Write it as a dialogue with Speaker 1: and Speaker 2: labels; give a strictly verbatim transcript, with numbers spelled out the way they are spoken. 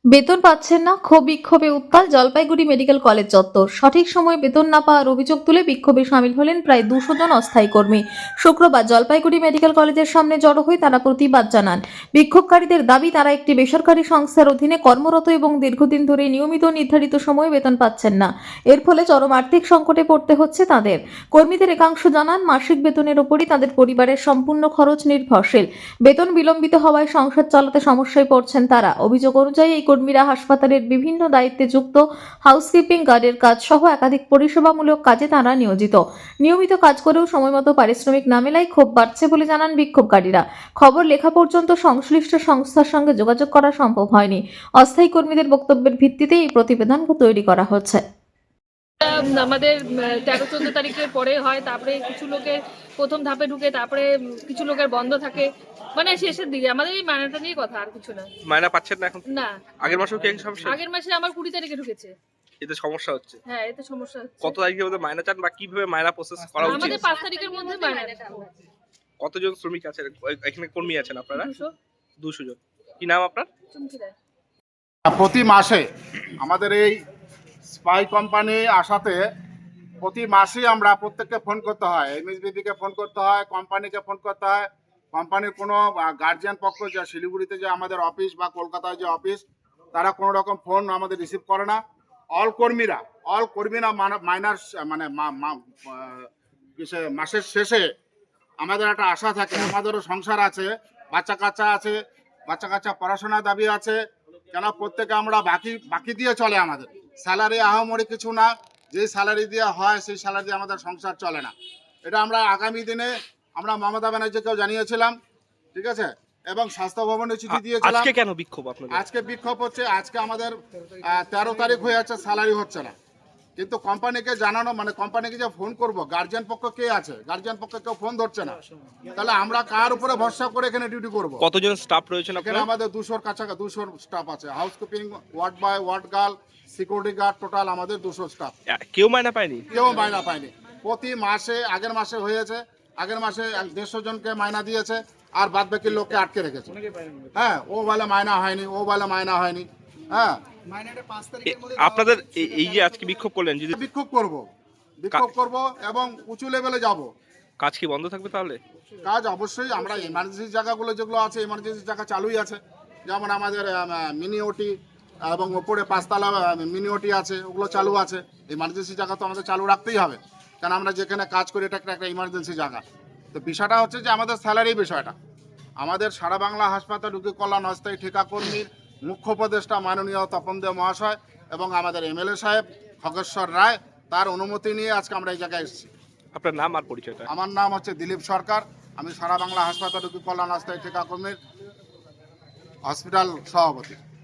Speaker 1: বেতন পাচ্ছেন না, ক্ষোভ বিক্ষোভে উত্তাল জলপাইগুড়ি মেডিকেল কলেজ চত্বর। সঠিক সময়ে বেতন না পাওয়ার অভিযোগ তুলে বিক্ষোভে সামিল হলেন প্রায় দুশো জন অস্থায়ী কর্মী। শুক্রবার জলপাইগুড়ি মেডিকেল কলেজের সামনে জড়ো হয়ে তারা প্রতিবাদ জানান। বিক্ষোভকারীদের দাবি, তারা একটি বেসরকারি সংস্থার অধীনে কর্মরত এবং দীর্ঘদিন ধরে নিয়মিত নির্ধারিত সময়ে বেতন পাচ্ছেন না। এর ফলে চরম আর্থিক সংকটে পড়তে হচ্ছে তাদের। কর্মীদের একাংশ জানান, মাসিক বেতনের ওপরই তাদের পরিবারের সম্পূর্ণ খরচ নির্ভরশীল। বেতন বিলম্বিত হওয়ায় সংসার চালাতে সমস্যায় পড়ছেন তারা। অভিযোগ অনুযায়ী এই কর্মীরা হাসপাতালের বিভিন্ন দায়িত্বে যুক্ত, হাউসকিপিং, গার্ডের কাজ সহ একাধিক পরিষেবামূলক কাজে তারা নিয়োজিত। নিয়মিত কাজ করেও সময়মতো পারিশ্রমিক না মেলায় ক্ষোভ বাড়ছে বলে জানান বিক্ষোভকারীরা। খবর লেখা পর্যন্ত সংশ্লিষ্ট সংস্থার সঙ্গে যোগাযোগ করা সম্ভব হয়নি। অস্থায়ী কর্মীদের বক্তব্যের ভিত্তিতে এই প্রতিবেদন তৈরি করা হচ্ছে।
Speaker 2: আমাদের তেরো চোদ্দ তারিখের পরে হয়, তারপরে কিছু লোকের প্রথম ধাপে ঢুকে, তারপরে কিছু লোকের বন্ধ থাকে, মানে শেষের দিকে। আমাদের এই মায়নাটা নিয়ে কথা, আর কিছু না।
Speaker 3: মায়না পাচ্ছেন না এখন?
Speaker 2: না,
Speaker 3: আগের মাসেও কি একই সমস্যা?
Speaker 2: আগের মাসে আমার কুড়ি তারিখে ঢুকেছে।
Speaker 3: এতে সমস্যা হচ্ছে?
Speaker 2: হ্যাঁ, এতে সমস্যা হচ্ছে।
Speaker 3: কত তারিখের মধ্যে মায়না চান বা কিভাবে মায়না প্রসেস করা উচিত?
Speaker 2: আমাদের পাঁচ তারিখের মধ্যে মায়না।
Speaker 3: কতজন শ্রমিক আছেন এখানে, কর্মী আছেন আপনারা?
Speaker 2: দুশো।
Speaker 3: দুশো জন। কি নাম আপনার?
Speaker 2: চুমকি রায়।
Speaker 4: প্রতি মাসে আমাদের এই স্পাই কোম্পানি আসাতে প্রতি মাসেই আমরা প্রত্যেককে ফোন করতে হয়, এমএসবিবিকে ফোন করতে হয়, কোম্পানিকে ফোন করতে হয়। কোম্পানির কোনো গার্জিয়ান পক্ষ, যা শিলিগুড়িতে যে আমাদের অফিস বা কলকাতায় যে অফিস, তারা কোনো রকম ফোন আমাদের রিসিভ করে না। অল কর্মীরা অল কর্মীরা মাইনার মানে মাসের শেষে আমাদের একটা আশা থাকে, আমাদেরও সংসার আছে, বাচ্চা কাচ্চা আছে, বাচ্চা কাচ্চা পড়াশোনার দাবি আছে। কেন প্রত্যেকে আমরা বাকি বাকি দিয়ে চলে, আমাদের স্যালারি আহামরি কিছু না, যে স্যালারি দিয়ে হয় সেই স্যালারি দিয়ে আমাদের সংসার চলে না। এটা আমরা আগামী দিনে আমরা মমতা ব্যানার্জিকেও জানিয়েছিলাম, ঠিক আছে, এবং স্বাস্থ্য ভবনে চিঠি দিয়েছিলাম।
Speaker 3: আজকে কেন বিক্ষোভ আপনাদের?
Speaker 4: আজকে বিক্ষোভ হচ্ছে, আজকে আমাদের তেরো তারিখ হয়ে যাচ্ছে, স্যালারি হচ্ছে না। কিন্তু কোম্পানিকে জানানো মানে কোম্পানিকে যে ফোন করব, গার্জিয়ান পক্ষ কে আছে, গার্জিয়ান পক্ষ কেউ ফোন ধরছে না। তাহলে আমরা কার উপরে ভরসা করে এখানে ডিউটি করব?
Speaker 3: কতজন স্টাফ রয়েছেন
Speaker 4: এখানে?
Speaker 3: আপনারা?
Speaker 4: আমাদের দুশোর কাছাকাছি দুশো স্টাফ আছে, housekeeping, ward boy, ward girl, security guard, total আমাদের দুশো স্টাফ।
Speaker 3: কেউ মায়না পায়নি?
Speaker 4: কেউ মায়না পায়নি। প্রতি মাসে, আগের মাসে হয়েছে, আগের মাসে দেড়শো জনকে মায়না দিয়েছে, আর বাদ বাকি লোককে আটকে রেখেছে। হ্যাঁ, ও বলে মায়না হয়নি, ও বলে মায়না হয়নি। হ্যাঁ,
Speaker 3: আপনাদের এই যে আজকে বিক্ষোভ করলেন, যদি
Speaker 4: বিক্ষোভ করব বিক্ষোভ করব এবং উঁচু লেভেলে যাব।
Speaker 3: কাজ কি বন্ধ থাকবে তাহলে?
Speaker 4: কাজ অবশ্যই, আমরা এমার্জেন্সি জায়গাগুলো যেগুলো আছে, এমার্জেন্সি জায়গা চালুই আছে। যেমন আমাদের মিনি ওটি এবং ওপরে পাঁচতলা মিনি ওটি আছে, ওগুলো চালু আছে। এমার্জেন্সি জায়গা তো আমাদের চালু রাখতেই হবে, কারণ আমরা যেখানে কাজ করি এটা একটা ইমার্জেন্সি জায়গা। তো বিষয়টা হচ্ছে যে আমাদের স্যালারি বিষয়টা, আমাদের সারা বাংলা হাসপাতাল রোগী কল্যাণ অস্থায়ী ঠিকা কর্মীর মুখ্য উপদেষ্টা মাননীয় তপন দেব মহাশয় এবং আমাদের এমএলএ সাহেব খগেশ্বর রায়, তার অনুমতি নিয়ে আজকে আমরা এই জায়গায় এসেছি।
Speaker 3: আপনার নাম আর পরিচয়টা?
Speaker 4: আমার নাম হচ্ছে দিলীপ সরকার, আমি সারা বাংলা হাসপাতাল রোগী কল্যাণ অস্থায়ী ঠিকা কর্মীর হসপিটাল সভাপতি।